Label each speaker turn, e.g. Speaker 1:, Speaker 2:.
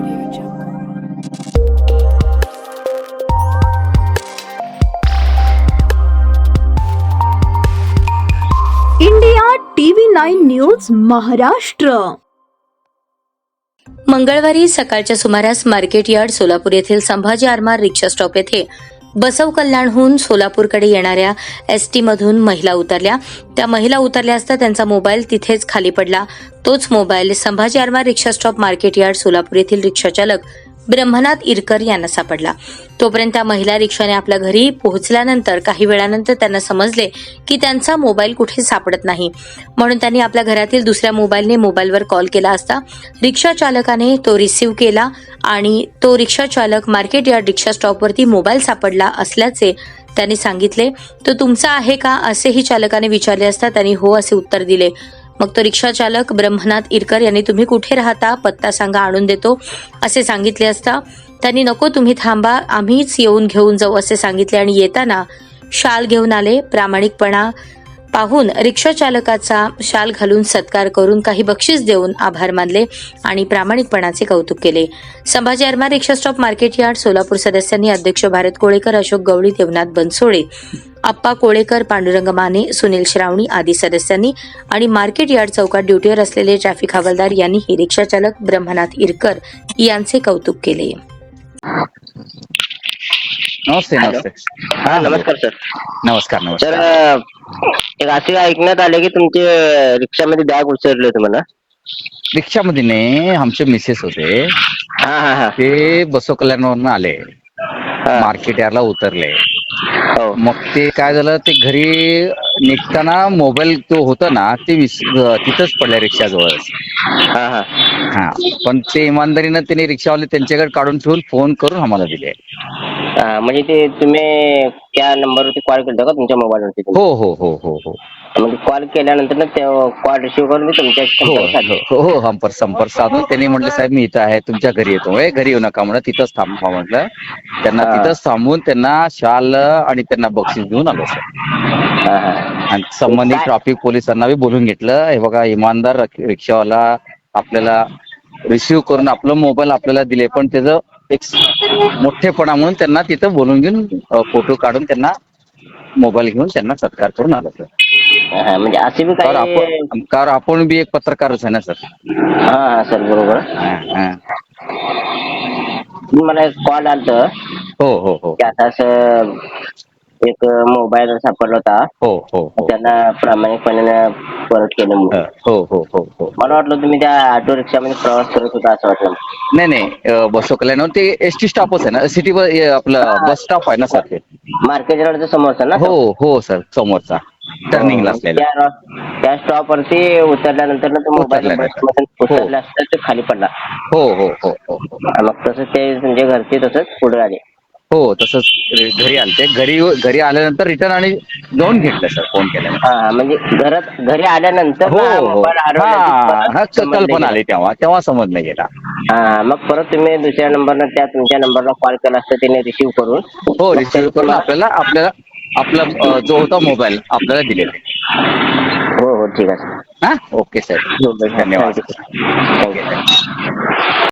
Speaker 1: India TV9 news Maharashtra.
Speaker 2: मंगळवारी सकाळच्या सुमारास मार्केट यार्ड सोलापूर येथील संभाजी आरमार रिक्षा स्टॉप येथे बसव कल्याणहून सोलापूरकडे येणाऱ्या एसटी मधून महिला उतरल्या. त्या महिला उतरल्या असता त्यांचा मोबाईल तिथेच खाली पडला. तोच mobile Sambhaji Armar rickshaw stop market yard Solapur येथील रिक्षाचालक ब्रह्मनाथ इरकर यांना सापडला. तोपर्यंत त्या महिला रिक्षाने आपल्या घरी पोहोचल्यानंतर काही वेळानंतर त्यांना समजले की त्यांचा मोबाईल कुठे सापडत नाही. म्हणून त्यांनी आपल्या घरातील दुसऱ्या मोबाईलवर कॉल केला असता रिक्षा चालकाने तो रिसीव्ह केला आणि तो रिक्षा चालक मार्केट यार्ड रिक्षा स्टॉपवरती मोबाईल सापडला असल्याचे त्यांनी सांगितले. तो तुमचा आहे का असेही चालकाने विचारले असता त्यांनी हो असे उत्तर दिले. मग तो रिक्षा चालक ब्रह्मनाथ इरकर यांनी तुम्ही कुठे राहता, पत्ता सांगा, आणून देतो असे सांगितले असता त्यांनी नको तुम्ही थांबा, आम्हीच येऊन घेऊन जाऊ असे सांगितले आणि येताना शाल घेऊन आले. प्रामाणिकपणा पाहून रिक्षा चालकाचा शाल घालून सत्कार करून काही बक्षीस देऊन आभार मानले आणि प्रामाणिकपणाचे कौतुक केले. Sambhaji Armar rickshaw stop market yard Solapur सदस्यांनी अध्यक्ष भारत कोळेकर, अशोक गवळी, देवनाथ बनसोडे, आप्पा कोळेकर, पांडुरंग माने, सुनील श्रावणी आदी सदस्यांनी आणि मार्केट यार्ड चौकात ड्युटीवर असलेले ट्रॅफिक हवालदार यांनीही रिक्षा चालक ब्रह्मनाथ इरकर यांचे कौतुक केले.
Speaker 3: नमस्ते. नमस्ते.
Speaker 4: हा नमस्कार सर.
Speaker 3: नमस्कार.
Speaker 4: सर
Speaker 3: नमस्कार.
Speaker 4: एक असे ऐकण्यात आले की तुमचे रिक्षामध्ये बॅग उसरले होते म्हणा.
Speaker 3: रिक्षामध्ये नाही, आमचे मिसेस होते.
Speaker 4: हा हा हा
Speaker 3: ते बसव कल्याणवरून आले, मार्केट यार्डला उतरले.
Speaker 4: हो
Speaker 3: मग ते काय झालं, ते घरी निघताना मोबाईल तो होता ना ते तिथंच पडल्या रिक्षाजवळच.
Speaker 4: हा हा
Speaker 3: हा, पण ते इमानदारीनं त्यांनी रिक्षावाले त्यांच्याकडे काढून ठेवून फोन करून आम्हाला दिले.
Speaker 4: म्हणजे ते तुम्ही त्या नंबरवरती कॉल केला का तुमच्या मोबाईलवरती?
Speaker 3: हो हो हो हो हो
Speaker 4: म्हणजे कॉल केल्यानंतर ना ते कॉल रिसिव्ह करून तुमच्या
Speaker 3: हो
Speaker 4: संपर्क साधले.
Speaker 3: हो हो संपर्क साधून त्यांनी म्हटलं साहेब मी इथं आहे, तुमच्या घरी येतो. घरी येऊ नका म्हणलं, तिथंच थांबा म्हटलं. त्यांना तिथंच थांबून त्यांना शाल आणि त्यांना बक्षीस देऊन आलो सर.
Speaker 4: हा हा
Speaker 3: आणि संबंधित ट्रॅफिक पोलिसांना बी बोलून घेतलं. हे बघा, इमानदार रिक्षावाला आपल्याला रिसिव्ह करून आपलं मोबाईल आपल्याला दिले, पण त्याचं एक मोठेपणा म्हणून त्यांना तिथं बोलून घेऊन फोटो काढून त्यांना मोबाईल घेऊन त्यांना सत्कार करून आलो सर.
Speaker 4: हा, म्हणजे असे बी काही
Speaker 3: कारण आपण बी एक पत्रकारच आहे ना सर.
Speaker 4: हा हा सर बरोबर. मला एक कॉल आलता
Speaker 3: हो हो हो
Speaker 4: की आता असं एक मोबाईल सापडला होता.
Speaker 3: हो हो हो
Speaker 4: त्यांना प्रामाणिकपणे परत केलं म्हणून.
Speaker 3: हो हो हो हो
Speaker 4: मला वाटलं तुम्ही त्या ऑटो रिक्षामध्ये प्रवास करत होता असं वाटलं.
Speaker 3: नाही नाही, बसव कल्याण ते एसटी स्टॉपच आहे ना, सिटी आपलं बस स्टॉप आहे ना सर ते.
Speaker 4: मार्केट रोडच्या समोरचा ना?
Speaker 3: हो हो सर, समोरचा टर्निंगला असलेला.
Speaker 4: त्या स्टॉप वरती उतरल्यानंतर ना तो मोबाईल
Speaker 3: उतरल्यानंतर.
Speaker 4: उतरला असता ते खाली पडला.
Speaker 3: हो हो हो हो हो
Speaker 4: मग तसंच ते म्हणजे घरचे तसंच पुढे आले.
Speaker 3: हो तसंच घरी आलते. घरी आल्यानंतर रिटर्न आणि जाऊन घेतलं सर, फोन केल्यानंतर.
Speaker 4: हा म्हणजे घरी आल्यानंतर
Speaker 3: हो हो
Speaker 4: मोबाईल
Speaker 3: हा, कल्पना आली तेव्हा समजलं गेला.
Speaker 4: हा, मग परत तुम्ही दुसऱ्या नंबरनं त्या तुमच्या नंबरला कॉल केला असता त्याने रिसिव्ह करून.
Speaker 3: हो, रिसिव्ह करून आपल्याला आपला जो होता मोबाईल आपल्याला दिलेला.
Speaker 4: हो हो ठीक आहे.
Speaker 3: हा, ओके सर, धन्यवाद.
Speaker 4: थँक्यू.